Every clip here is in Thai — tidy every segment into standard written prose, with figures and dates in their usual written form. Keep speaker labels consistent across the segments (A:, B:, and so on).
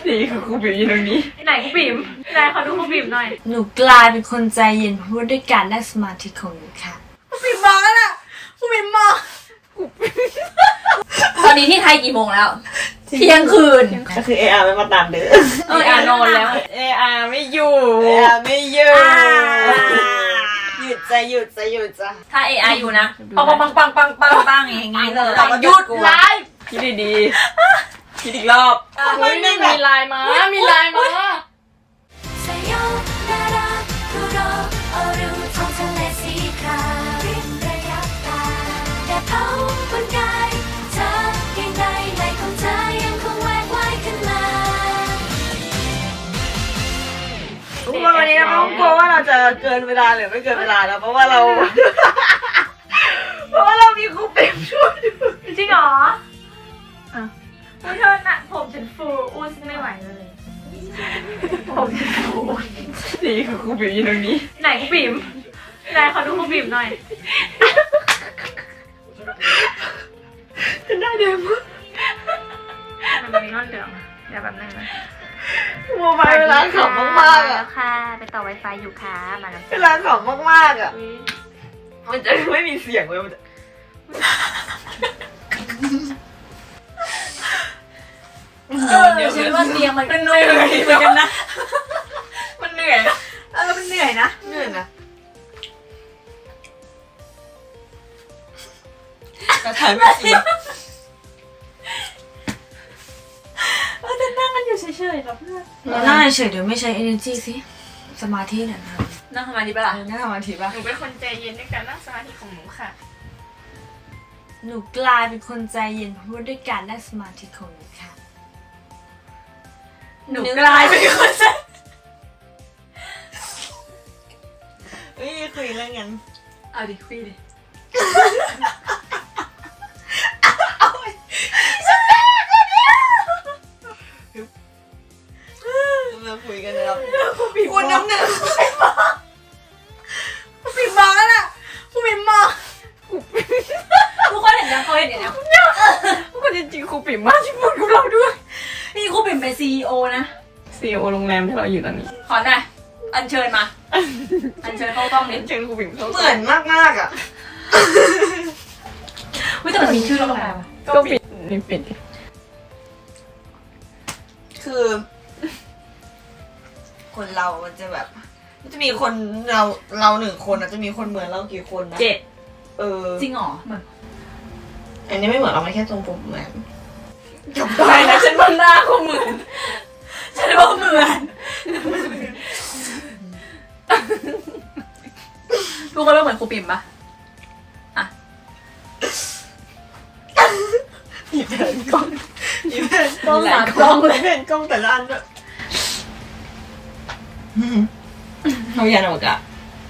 A: นี่คือครูบิ๋มอยู่ตรงนี้
B: ไหนครูบิ๋มไหนขอดูครูบิ๋มหน่อย
C: หนูกลายเป็นคนใจเย็นเพราะด้วยการนั่งสมาธิของหนูค่ะ
B: ครูบิ๋มมองแล้วน่ะครูบิ๋มมอง
C: ตอนนี้ที่ไทยกี่โมงแล้วเที่ยงคืน
A: ก็คือARไม่มาตามเด้อ
B: นอนแล้ว
A: AR ไม่อยู่AR ไม่อยู่หยุดจะหยุดจะหยุดจะ
C: ถ้า AI อยู่นะ
B: ปังปังปังปังปังปัง
C: อย่างงี้เลย
B: หยุดไลฟ์
A: คิดดีๆคิดอีกรอบอุ้ยนี่มีไลน์มามีไลน์มาวันนี้เราไม่ต้องกลัวว่าเราจะเกินเวลาหรือไม่เกินเวลาแล้วเพราะว่าเรามีครูเต็มช่วยอยู่
B: จริงเหรออุ้ยเธอน่ะผมฉันฟูอุ้ยไม่ไหวเลยผมฉันฟู
A: นี่คือครูบิ๋มอยู่ตรงนี้
B: ไหนครูบิ๋มไหนขอดูครูบิ๋มหน่อย
A: จะได้เดี๋ยวมั้ง
B: มันมีก้อนเหลืองเดี๋ยวแบบนึงนะ
A: โมบายเวลาขำมากๆอ่ะ
B: ค่ะไปต่อ Wi-Fi อยู่ค่ะมาแล้ว
A: เวลาขำมากๆอ่ะมันจะไม่มีเสียงเลยมันจะ
C: เดี๋ยวฉันว่าเตียงมัน
A: เหนื่อยเหมือนกันนะมันเหนื่อย
C: มันเหนื่อยนะ
A: เหนื่อยนะกระถายไม่จริง
C: จะนั่งกันอยู่เฉยๆกับเพื่อนนั่งเฉยๆเดี๋ยวไม่ใช้ energy สิสมาธิเนี่ยนะนั่งสมาธิปะล่ะนั่งสมาธิปะ
A: หนูเป็นคนใจเย็นในการนั่งสมาธิของหนูค่ะ
C: หนูกลายเป็นคนใจเย็นเพราะด้วยการนั่งสมาธิของหนูค่ะ
B: หนูกลายเป็นคนใจ
A: เฮ้ยคุยเรื่องงั้น
C: เอาดิคุยดิ
A: มาคุยกันนะครับ
C: คุณน้ำหนึ่ง
B: ครูบิ๋มมองแล้วน่ะครูบิ๋มมอง
C: ทุกคนเห็นยังเขาเห็นยัง
A: ก็จริงๆครูปิ่มมากที่พูดกับเราด้วย
C: นี่ครูปิ่มเป็น CEO นะ
A: CEO โรงแรมที่เราอยู่ตอนนี้
C: ขอหน่อยอัญเชิญมา อัญเชิญเข้ากล้องนิด
A: เชิญครูปิ่มเข้า
D: เหมือนมากๆอ่ะ
C: วิแต่มันมีชื่อโรงแรม
A: ก็ปิดนี่ปิด
D: คือ คนเรามันจะแบบ มันจะมีคนเราหนึ่งคนอะจะมีคนเหมือนเรากี่คนนะ
C: 7
D: เออ
C: จริงเหรอเหมือน
D: อันนี้ไม่เหมือนเราไม่แค่ทรงผมเหมือน
A: ไปนะฉันว่าหน้าเขาเหมือน
C: ฉันว่าเหมือนทุกคนว่าเหมือนครูปิ่มปะ
A: อีแผ่นกล้อง
D: อีแผ่น
A: กล้องหลายกล้องเลยแผ่นกล้องแต่ละอันแบบ
D: เขายานอวกาศ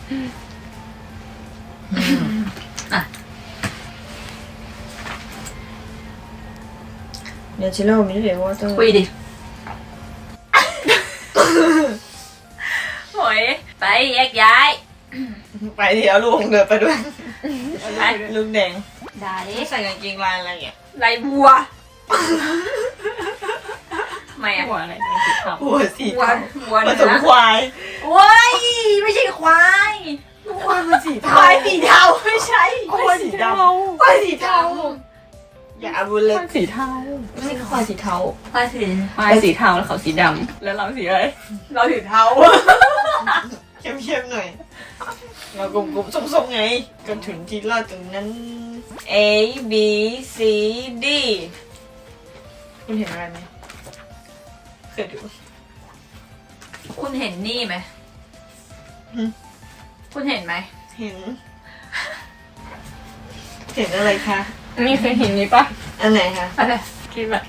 D: เดี๋ยวชิโร่มีเดี๋ยวว่าต้อง
C: คุยดิโอ้ยไปแยกย้าย
D: ไปเดี๋ยวลูกเดินไปด้วยลูกแดง
C: ได้ดิ
D: ใส่กางเกงลายอะไรอย่างเงี้ย
C: ไรบัวไม่อะ
A: หัวอะไรสีขาว
D: หัวสี
C: บัว
D: เทา
C: บัว
D: ผ
C: เนื้
D: สม
C: อ
D: ควาย
C: โอ้ยไม่ใช่ควาย
D: ควายมันสี
C: ค
D: เทาว
C: ายสีเทาไม่ใช่
D: ควายสีดำ
C: ควายสีเทา
D: อย่าเอาบุญเลย
A: สีเทา
D: ไม่ใช่ควายสีเทา
C: ควายสี
A: ไม้สีเทาแล้วเขาสีดำแล้วเราสีอะไร
C: เราสีเทา
D: เข้มๆหน่อยเรากลมๆส้มๆไงจนถึงที่เราตรงนั้น A B C D คุณเห็นอะไรไหมเคยดู
C: คุณเห็นนี่ไหมคุณเห็นไหม
D: เห็น เห็นอะไรคะ
A: นี่เคยเห็นนี้ปะ
D: อันไหนคะ
C: อะไร
A: คิดแบบ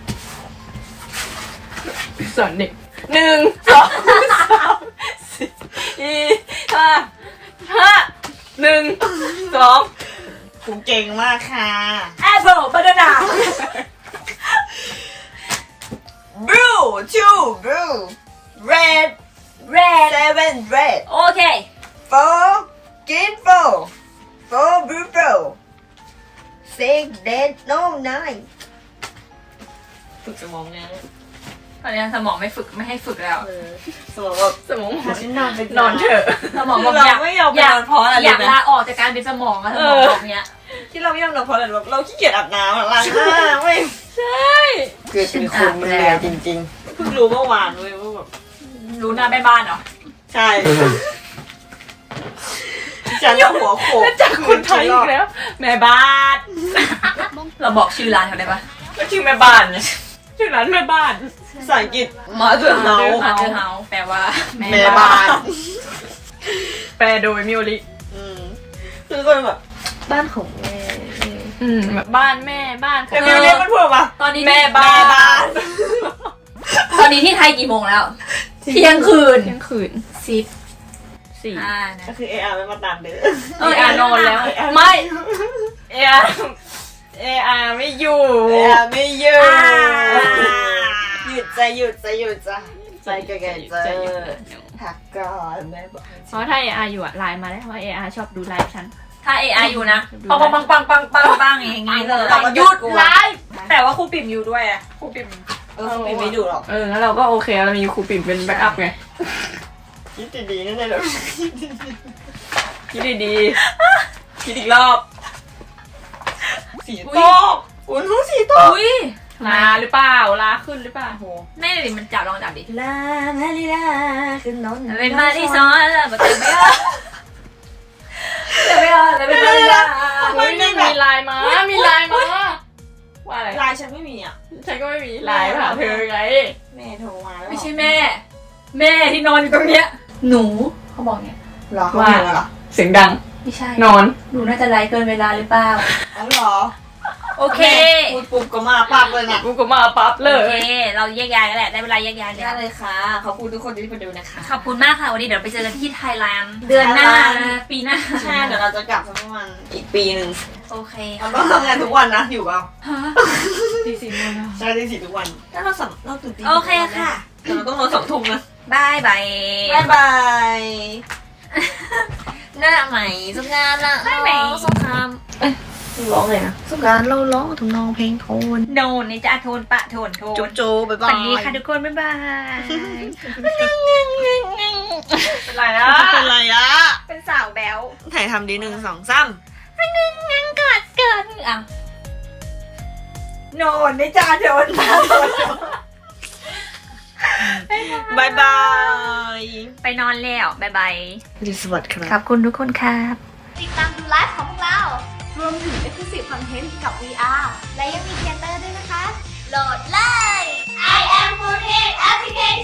A: สอนเด็ก1 2 3 4 5 1 2
D: คุณเก่งมากค่ะ
C: แอปเปิลบานาน่า
D: Blue two blue red
C: red
D: seven red
C: โอเค
D: four green four blue six red no nine ฝึกสมองไง
B: ตอนนี้สมองไม่ให้ฝึกแล้ว
D: สมองแบบ
B: สมอง
D: ฉันนอนไป
B: นอนเถอะสมองบอก
D: เรา
B: อยาก
D: ไม่ยอมไปนอนเพราะอะไร
B: อยาก
D: นะ
B: ลาออกจากการเป็นสมองอะสมองบอกเนี้ย
D: ที่เราไม่ยอมนอนเพราะอะไรแบบเราขี้เกียจอาบน้ำอะล้างหน้าเว้ย
B: ใช่
D: เกิดเป็นคนมันเหนื่อยจริงๆเพิ่งรู้เมื่อวานเว้ยว่าแบบ
B: รู้หน้าแม่บ้านเหรอ
D: ใช่ฉันจะหัวโขก
B: จากคนไทยอีกแล้ว แม่บ้าน เราบอกชื่อร้านเขาได้ปะ
D: ก็ชื่อแม่บ้านไง
B: ชื่อร้านแม่บ้าน
D: ภาษาอังกฤษมาเถอะเนา
B: มาเธอเฮาแปลว่า
D: แม่บ้าน
B: แปลโดยมิโอริ
D: คือคนแบบบ้านของแม่
B: แบบบ้านแม่บ้าน
D: แต่มิวเรียกมันพูดว่า
B: ตอนนี้
D: แม่บ้าน
B: ตอนนี้ที่ไทยกี่โมงแล้ว เที่ยงคืน 4 นะ
D: ก็คือเออาร์ไม่มาตามเด้อ
B: นอนแล้ว ไม่เออาไม่อยู่
D: เออาร์ไม่อยู่หยุดใจหยุดใจหยุดใจใจแก่ๆใจหักก่อนแม่บอก
E: เพราะถ้า AR อยู่อะไลน์มาได้เพราะ AR ชอบดูไลฟ์ฉัน
B: ถ้า AI อยู่นะปังปังปังปังปังปังอย่างงี้เลย
D: หยุดไลฟ์
B: แต่ว่าครูปิ่มอยู่ด้วยอะครูปิ่ม
D: ไม่ดูหรอก
E: งั้นเราก็โอเคเรามีครูปิ่มเป็นแบ็กอัพไง
D: คิดดีๆนั่นเลยหรอ
E: คิดดีๆคิดอีกรอบ
D: สีโต๊ะอุ้ยรู้สีโต๊ะ
B: อุ้ย
E: ลาหรือเปล่าลาขึ้นหรือเปล่าโห
B: แม่ดิมันจับลองจับดิ
C: ลาลาลิลาขึ้นนอน
B: เป็นมาที่ซ้อนแล้วมันจะไม่เอาจะไม่เอาจะเป็นมาที่ซ้อน
E: เฮ้ยมีไลน์มามีไลน์มาว่าอะไร
D: ลายฉันไม่มีอ่ะ
E: ฉันก็ไม่มีไลน์มาหาเธอไง
D: แม่โทรมาแล้ว
B: ไม่ใช่แม่ แม่ที่นอนอยู่ตรงเนี้ยหนูเขาบอกเนี้ย
D: หรอเขาเหรอ
E: เสียงดัง
B: ไม่ใช่
E: นอน
B: หนูน่าจะไลฟ์เกินเวลาหรือเปล่า
D: อ๋อเหรอ
B: โอเค
D: พูดปุ๊บก็มาปั๊บเลยนะ
E: กูก็มาปั๊บเล
B: โอย เค เราแยกย้ายกันแหละ ได้เวลาแยกย้าย
C: ได้
B: แล้ว
C: เลยค่ะขอบคุณทุกคนที่มาดูนะคะ
B: ขอบคุณมากค่ะ วันนี้เดี๋ยวไปเจอกันที่ไทยแลนด์เดือนหน้า ปีหน้า
D: ใช่เดี๋ยวเราจะกลับสักประมาณอีกปีหนึ่ง
B: โอเค
D: เราต้องทำงานทุกวันนะอยู่เปล่า
E: ตีสี่โมงแล้ว
D: ใช่ที่สี่ทุกวันถ้าเราตื่นตี
B: โอเคค่ะ
D: แต่เราต้องนอน2 ทุ่มนะ
B: บายบาย
D: บ๊ายบาย
C: หน้าใหม่สงกรานต์ละ
B: หน้าใหม่
C: สงครามร้องเลยนะสงกรานต์เราร้องทำนองเพลงโทน
B: โนนนี่จะโทนปะโทนโทน
D: จุ๊บจุ๊บบ๊าย
B: ส
D: บาย
B: วัสดีค่ะทุกคน บ๊ายบาย
E: เป็นไรอะ
D: เป็นไรอะ
B: เป็นสาวแบ๊ว
D: ถ่ายทำดี1 2 3
B: งั้นกอดเกินอ่ะ
D: โนนได้จ้าโดนมาบายบาย
B: ไปนอนแล้ว บ๊ายบาย
D: สวัสดีครับ
B: ขอบคุณทุกคนครับ
F: ติดตามดูไลฟ์ของพวกเรา รวมถึง Exclusive Content กับ VR และยังมีเทเตอร์ด้วยนะคะ โหลดเลย I am Foodhead Application